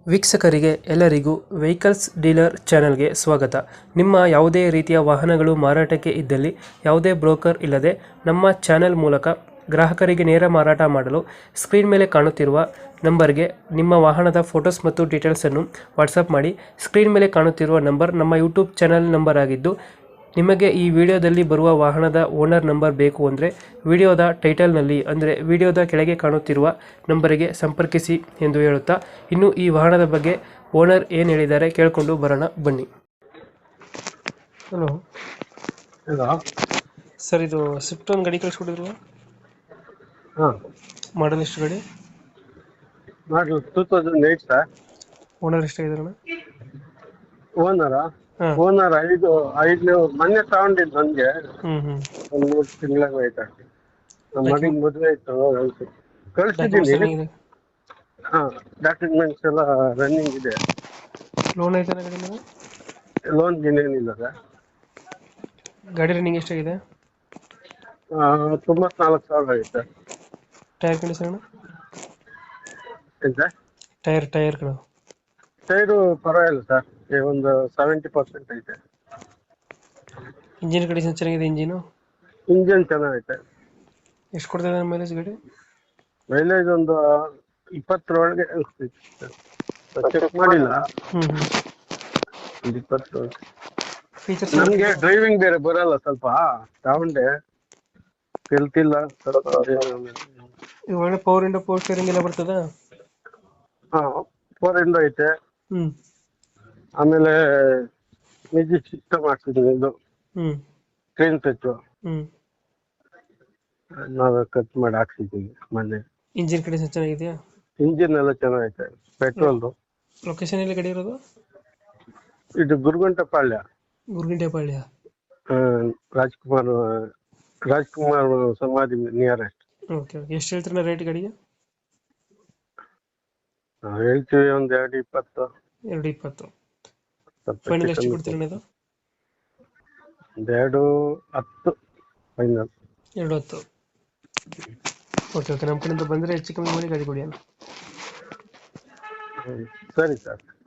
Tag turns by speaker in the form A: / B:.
A: ವೀಕ್ಷಕರಿಗೆ ಎಲ್ಲರಿಗೂ vehicles dealer ಚಾನೆಲ್ಗೆ ಸ್ವಾಗತ. ನಿಮ್ಮ ಯಾವುದೇ ರೀತಿಯ ವಾಹನಗಳು ಮಾರಾಟಕ್ಕೆ ಇದ್ದಲ್ಲಿ ಯಾವುದೇ ಬ್ರೋಕರ್ ಇಲ್ಲದೆ ನಮ್ಮ ಚಾನೆಲ್ ಮೂಲಕ ಗ್ರಾಹಕರಿಗೆ ನೇರ ಮಾರಾಟ ಮಾಡಲು ಸ್ಕ್ರೀನ್ ಮೇಲೆ ಕಾಣುತ್ತಿರುವ ನಂಬರ್ಗೆ ನಿಮ್ಮ ವಾಹನದ ಫೋಟೋಸ್ ಮತ್ತು ಡೀಟೇಲ್ಸನ್ನು ವಾಟ್ಸಪ್ ಮಾಡಿ. ಸ್ಕ್ರೀನ್ ಮೇಲೆ ಕಾಣುತ್ತಿರುವ ನಂಬರ್ ನಮ್ಮ ಯೂಟ್ಯೂಬ್ ಚಾನೆಲ್ ನಂಬರ್ ಆಗಿದ್ದು, ನಿಮಗೆ ಈ ವಿಡಿಯೋದಲ್ಲಿ ಬರುವ ವಾಹನದ ಓನರ್ ನಂಬರ್ ಬೇಕು ಅಂದರೆ ವಿಡಿಯೋದ ಟೈಟಲ್ನಲ್ಲಿ ಅಂದರೆ ವಿಡಿಯೋದ ಕೆಳಗೆ ಕಾಣುತ್ತಿರುವ ನಂಬರಿಗೆ ಸಂಪರ್ಕಿಸಿ ಎಂದು ಹೇಳುತ್ತಾ, ಇನ್ನು ಈ ವಾಹನದ ಬಗ್ಗೆ ಓನರ್ ಏನು ಹೇಳಿದ್ದಾರೆ ಕೇಳಿಕೊಂಡು ಬರೋಣ ಬನ್ನಿ. Hello
B: hello.
A: ಸರ್, ಇದು ಸ್ವಿಫ್ಟ್ ಒಂದು ಗಾಡಿ ಕಳಿಸ್ಕೊಟ್ಟಿದ್ರು,
B: ಹಾಂ,
A: ಮಾಡಲ್ ಎಷ್ಟು ಗಾಡಿ?
B: Model 2008 sir.
A: ಓನರ್ ಎಷ್ಟಾಗಿದಾರಣ?
B: ಓನರಾ?
A: ಹಾಂ.
B: ಓನರ್ ಐದು ಮೊನ್ನೆ ತಗೊಂಡಿದ್ದು ನನಗೆ
A: ಹ್ಞೂ
B: ಒಂದು 3 ತಿಂಗಳಾಗ ಆಯ್ತಾ. ನಮ್ಮ ಮಗನ ಮದುವೆ ಇತ್ತು,
A: ಡಾಕ್ಯುಮೆಂಟ್ಸ್
B: ಕಳಿಸ್ತಿದ್ದೀನಿ.
A: ಚೆನ್ನಾಗಿದೆ.
B: ಹಾಂ, ಡಾಕ್ಯುಮೆಂಟ್ಸ್ ಎಲ್ಲ ರನ್ನಿಂಗ್ ಇದೆ.
A: ಲೋನ್ ಐತೆ ಗಾಡಿ ಮೇಲೆ?
B: ಲೋನ್ ಏನಿಲ್ಲ ಸರ್.
A: ಗಾಡಿ ರನ್ನಿಂಗ್ ಎಷ್ಟಾಗಿದೆ?
B: 94,000 ಆಗಿದೆ.
A: Tyre condition?
B: ಏನು ಸರ್?
A: ಟೈರ್ಗಳು
B: ಟೈರು ಪರವಾಗಿಲ್ಲ ಸರ್, ಒಂದು 70% ಐತೆ.
A: ಇಂಜಿನ್ ಕಂಡೀಷನ್ ಚೆನ್ನಾಗಿದೆ?
B: ಇಂಜಿನ್ ಚೆನ್ನಾಗೈತೆ.
A: ಎಷ್ಟು ಕೊಡ್ತದೆ ಮೈಲೇಜ್ ಗಾಡಿ?
B: ಮೈಲೇಜ್ ಒಂದು 20 ಒಳಗೆ ಚೆಕ್ ಮಾಡಿಲ್ಲ.
A: ಹ್ಞೂ
B: ಒಂದು 20.
A: ಫೀಚರ್ಸ್
B: ನನಗೆ ಡ್ರೈವಿಂಗ್ ಬೇರೆ ಬರಲ್ಲ, ಸ್ವಲ್ಪ ತಗೊಂಡೆ ಕಲ್ತಿಲ್ಲ.
A: ಒಳ್ಳೆ ಪವರ್ ಇಂಡೋ ಪವರ್ ಸ್ಟೇರಿಂಗ್ ಎಲ್ಲ ಬರ್ತದ?
B: ಹಾ, 4 ಐತೆ.
A: ಹ್ಮ್
B: ಆಮೇಲೆ ಮ್ಯೂಸಿಕ್ ಸಿಸ್ಟಮ್ ಹಾಕ್ಸಿದ್ದೀನಿ, ಇದು
A: ಹ್ಮ್
B: ಸ್ಕ್ರೀನ್ ಟಚ್
A: ಹ್ಮ್
B: ನಾವೇ ಕಟ್ ಮಾಡಿ ಹಾಕ್ಸಿದ್ದೀವಿ ಮೊನ್ನೆ.
A: ಇಂಜಿನ್ ಕಂಡೀಷನ್ ಚೆನ್ನಾಗಿದೆಯಾ?
B: ಇಂಜಿನ್ ಎಲ್ಲ ಚೆನ್ನಾಗೈತೆ. ಪೆಟ್ರೋಲ್ದು.
A: ಲೊಕೇಶನ್ ಎಲ್ಲಿ ಗಾಡಿ ಇರೋದು?
B: ಇದು ಗುರುಗುಂಟಪಾಳ್ಯ.
A: ಗುರುಗಿಂಟೆಪಾಳ್ಯ.
B: ರಾಜ್ಕುಮಾರ್ ಸಮಾಧಿ ನಿಯರೆಸ್ಟ್.
A: Okay okay. ಎಷ್ಟು ಹೇಳ್ತೀರ ರೇಟ್ ಗಾಡಿಗೆ?
B: ನಾವು ಹೇಳ್ತೀವಿ ಒಂದು 220.
A: 220. ಫೈನಲ್ ಎಷ್ಟು ಕೊಡ್ತೀರ ಇದು?
B: 210 ಫೈನಲ್.
A: 210. Okay okay. ನಮ್ಮ ಕಡೆಯಿಂದ ಬಂದರೆ ಹೆಚ್ಚು ಕಮ್ಮಿ ಮಾಡಿ ಗಾಡಿ ಕೊಡಿ ಅಲ್ಲ.
B: ಸರಿ ಸರ್.